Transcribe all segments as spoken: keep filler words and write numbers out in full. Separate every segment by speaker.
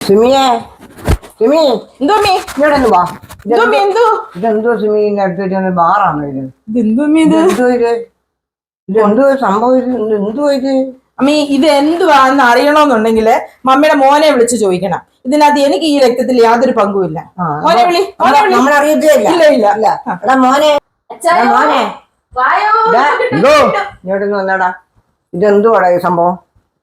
Speaker 1: സിമിയെ സിമി
Speaker 2: എന്തോ മീ
Speaker 1: ഇവിടെ ഒന്ന് വാ.
Speaker 2: എന്തോ മീ എന്തോ
Speaker 1: ഇതെന്തോ സിമിന്റെ അടുത്ത് വെച്ചാൽ ബാറാണോ ഇത്?
Speaker 2: ഇതെന്തോ മീ ഇത്
Speaker 1: എന്തോ ഇത് ഇതെന്തോ സംഭവം ഇത് എന്തോ ഇത്
Speaker 2: അമ്മീ ഇത് എന്തുവാന്ന് അറിയണോന്നുണ്ടെങ്കില് മമ്മിയുടെ മോനെ വിളിച്ച് ചോദിക്കണം. ഇതിനകത്ത് എനിക്ക് ഈ രക്തത്തിൽ യാതൊരു പങ്കുമില്ല. മോനെ വിളി മോനെ വിളി.
Speaker 1: നമ്മൾ അറിയത്തില്ല.
Speaker 2: ഇല്ല ഇല്ല
Speaker 1: ഇല്ല എടാ മോനെ എടാ മോനെ ഇതാ,
Speaker 3: എന്തോ
Speaker 1: ഇങ്ങോട്ട് വന്നടാ. ഇതെന്തുവാടാ ഈ സംഭവം?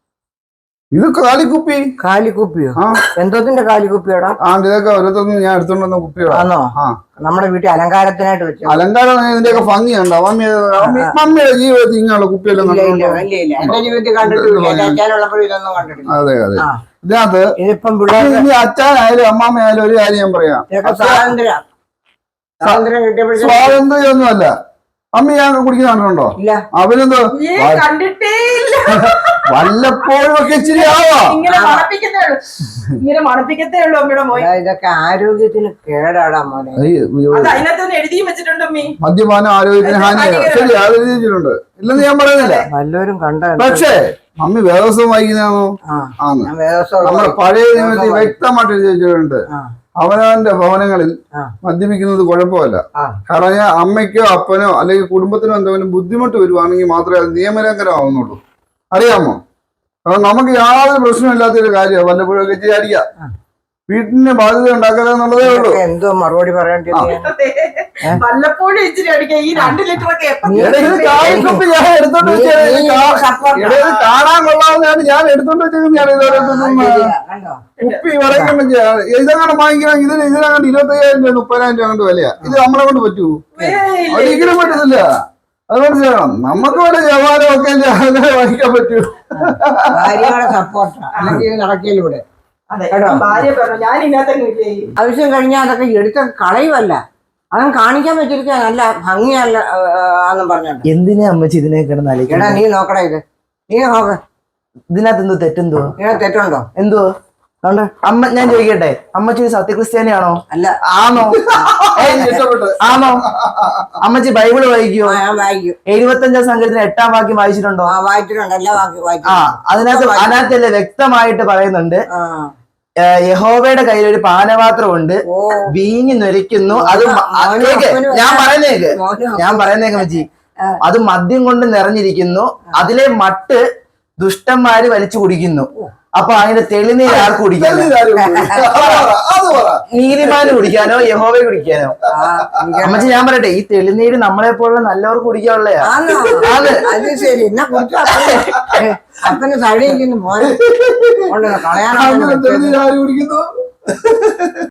Speaker 3: ഇത് കാലിക്കുപ്പി.
Speaker 1: കാലിക്കുപ്പിയോ?
Speaker 3: ആ
Speaker 1: എന്തോത്തിന്റെ കാലിക്കുപ്പിയോടാ?
Speaker 3: ആ ഇതൊക്കെ ഓരോരുത്തർന്ന് ഞാൻ എടുത്തോണ്ട് വന്ന കുപ്പിയോടാ.
Speaker 1: ആണോ?
Speaker 3: ആ
Speaker 1: നമ്മുടെ വീട്ടിൽ അലങ്കാരത്തിനായിട്ട് വെച്ചു.
Speaker 3: അലങ്കാരം ഇതിന്റെയൊക്കെ ഭംഗിയുണ്ടോ? മമ്മി മമ്മി മമ്മിയുടെ ജീവിതത്തിൽ ഇങ്ങനെയുള്ള കുപ്പിയെല്ലാം
Speaker 1: ഇല്ല ഇല്ല
Speaker 3: കണ്ടിട്ടുണ്ടോ?
Speaker 1: ഇല്ല ഇല്ല എന്റെ ജീവിതത്തിൽ കണ്ടിട്ടില്ല. അച്ഛനുള്ളപ്പോഴും ഇതൊന്നും കണ്ടിട്ടില്ല.
Speaker 3: അതെ അതെ.
Speaker 1: ആ
Speaker 3: ഇതിനകത്ത്
Speaker 1: ഇതിപ്പം പിള്ളേർ
Speaker 3: ഇനി അച്ഛനായാലും അമ്മാമ്മയായാലും ഒരു കാര്യം ഞാൻ പറയാം.
Speaker 1: സ്വാതന്ത്ര്യം സ്വാതന്ത്ര്യം കിട്ടിയപ്പോഴേ
Speaker 3: സ്വാതന്ത്ര്യം ഒന്നുമല്ല. അമ്മ ഞാൻ കുടിക്കുന്ന കണ്ടിട്ടുണ്ടോ?
Speaker 1: ഇല്ല.
Speaker 3: അവനെന്തോ
Speaker 2: ഏ, കണ്ടിട്ടേ ഇല്ല.
Speaker 3: വല്ലപ്പോഴും ഒക്കെ ഇച്ചിരി ആവാ.
Speaker 2: ഇങ്ങനെ മണപ്പിക്കത്തേ ഉള്ളൂ ഇങ്ങനെ മണപ്പിക്കത്തേ ഉള്ളൂ അമ്മയുടെ മോൻ.
Speaker 1: എടാ, ഇതൊക്കെ ആരോഗ്യത്തിന് കേടാടാ മോനെ.
Speaker 2: അത് അതിനകത്തൊന്ന് എഴുതിയും വെച്ചിട്ടുണ്ട് അമ്മീ.
Speaker 3: മദ്യപാനം ആരോഗ്യത്തിന് ഹാനിയാണ്. ശരി അത് എഴുതിയിട്ടുണ്ട്, ഇല്ലെന്ന് ഞാൻ പറയുന്നില്ല.
Speaker 1: വല്ലവരും കണ്ട
Speaker 3: പക്ഷേ മമ്മി വേദോത്സവം വായിക്കുന്നതാണോ? ആന്ന്. നമ്മുടെ പഴയ നിയമത്തിൽ വ്യക്തമായിട്ട് എഴുതി വെച്ചിട്ടുണ്ട്, അവനവന്റെ ഭവനങ്ങളിൽ മദ്യപിക്കുന്നത് കുഴപ്പമല്ല. കാരണം ഞാൻ അമ്മയ്ക്കോ അപ്പനോ അല്ലെങ്കിൽ കുടുംബത്തിനോ എന്തെങ്കിലും ബുദ്ധിമുട്ട് വരുവാണെങ്കിൽ മാത്രമേ അത് നിയമലംഘനം ആവുന്നുള്ളൂ. അറിയാമോ? അപ്പൊ നമുക്ക് യാതൊരു പ്രശ്നമില്ലാത്തൊരു കാര്യമാണ് വല്ലപ്പോഴും ഒക്കെ ഇച്ചിരി അടിക്കുക. വീട്ടിന് ബാധ്യത ഉണ്ടാക്കുക എന്നുള്ളതേ ഉള്ളൂ.
Speaker 1: എന്തോ മറുപടി പറയണ്ടേ?
Speaker 2: വല്ലപ്പോഴും ഇച്ചിരി അടിക്കാം. ഈ രണ്ട് ലിറ്റർ ഒക്കെ എപ്പം
Speaker 3: കാലിക്കുപ്പി ഞാൻ എടുത്തോണ്ട് വെച്ചത് കാണാൻ കൊള്ളാവുന്നതാണ്. ഞാൻ എടുത്തോണ്ട് വെച്ചേക്കുന്നതാണ്. ഇതോരോ കുപ്പി പറയുമ്പോൾ ഇതങ്ങനെ വാങ്ങിക്കണം. ഇതിന് ഇതിനങ്ങോട്ട് ഇരുപത്തയ്യായിരം രൂപ മുപ്പതിനായിരം രൂപ അങ്ങോട്ട് വിലയാ. ഇത് നമ്മളെ കൊണ്ട് പറ്റൂ? ഒരിക്കലും പറ്റത്തില്ല. അത് മനസ്സിലാക്കണം. നമുക്ക് വല്ല ജവാനും ഒക്കെ അങ്ങനെ വാങ്ങിക്കാൻ പറ്റൂ.
Speaker 1: ഭാര്യയുടെ സപ്പോർട്ട് അല്ലെങ്കിൽ നടക്കില്ല ഇവിടെ.
Speaker 2: ഭാര്യ പറഞ്ഞു ഞാൻ ഇതിനകത്ത്
Speaker 1: ആവശ്യം കഴിഞ്ഞാൽ അതൊക്കെ എടുത്ത കളയുമല്ല, അതും കാണിക്കാൻ പറ്റിയിരിക്കുക നല്ല ഭംഗിയല്ല എന്നും പറഞ്ഞോണ്ട്.
Speaker 4: എന്തിനാ അമ്മച്ചി ഇതിനെ കിടന്ന്
Speaker 1: എടാ
Speaker 4: അലക്കണം?
Speaker 1: നീ നോക്കടാ ഇത്, നീ നോക്ക.
Speaker 4: ഇതിനകത്ത് എന്തോ തെറ്റെന്തോ?
Speaker 1: ഇതിനകത്ത് തെറ്റുണ്ടോ?
Speaker 4: എന്തോ അമ്മ ഞാൻ ചോദിക്കട്ടെ, അമ്മച്ചി ഒരു സത്യക്രിസ്ത്യാനിയാണോ?
Speaker 1: അല്ല.
Speaker 4: ആണോ? ആണോ? അമ്മച്ചി ബൈബിള് വായിക്കുവോ?
Speaker 1: ഞാൻ വായിക്കും.
Speaker 4: എഴുപത്തഞ്ചാം സംഘത്തിന് എട്ടാം വാക്യം വായിച്ചിട്ടുണ്ടോ?
Speaker 1: ആ വായിച്ചിട്ടുണ്ട്, എല്ലാ വാക്കി
Speaker 4: ആ
Speaker 1: വായിച്ചു.
Speaker 4: അതിനകത്ത് അതിനകത്തല്ലേ വ്യക്തമായിട്ട് പറയുന്നുണ്ട്,
Speaker 1: ആ
Speaker 4: യഹോവയുടെ കയ്യിൽ ഒരു പാനപാത്രമുണ്ട്,
Speaker 1: ഓ
Speaker 4: വീഞ്ഞ് നൊരിക്കുന്നു. അത് ഞാൻ പറയുന്നേക്ക് ഞാൻ പറയുന്നേക്ക് അമ്മച്ചി, അത് മദ്യം കൊണ്ട് നിറഞ്ഞിരിക്കുന്നു, അതിലെ മട്ട് ദുഷ്ടന്മാര് വലിച്ചു കുടിക്കുന്നു. അപ്പൊ അതിന്റെ തെളിനീര് ആർക്ക് കുടിക്കാനോ? നീതിമാന് കുടിക്കാനോ യഹോവയെ കുടിക്കാനോ? അമ്മച്ചി ഞാൻ പറയട്ടെ, ഈ തെളിനീര് നമ്മളെ പോലുള്ള നല്ലവർക്ക് കുടിക്കാനുള്ളയാ.
Speaker 1: അത് ശരി. എന്നെ കുറിച്ച് അപ്പന് തടിയിരിക്കുന്നു മോനെ കളയാൻ
Speaker 3: കുടിക്കുന്നു.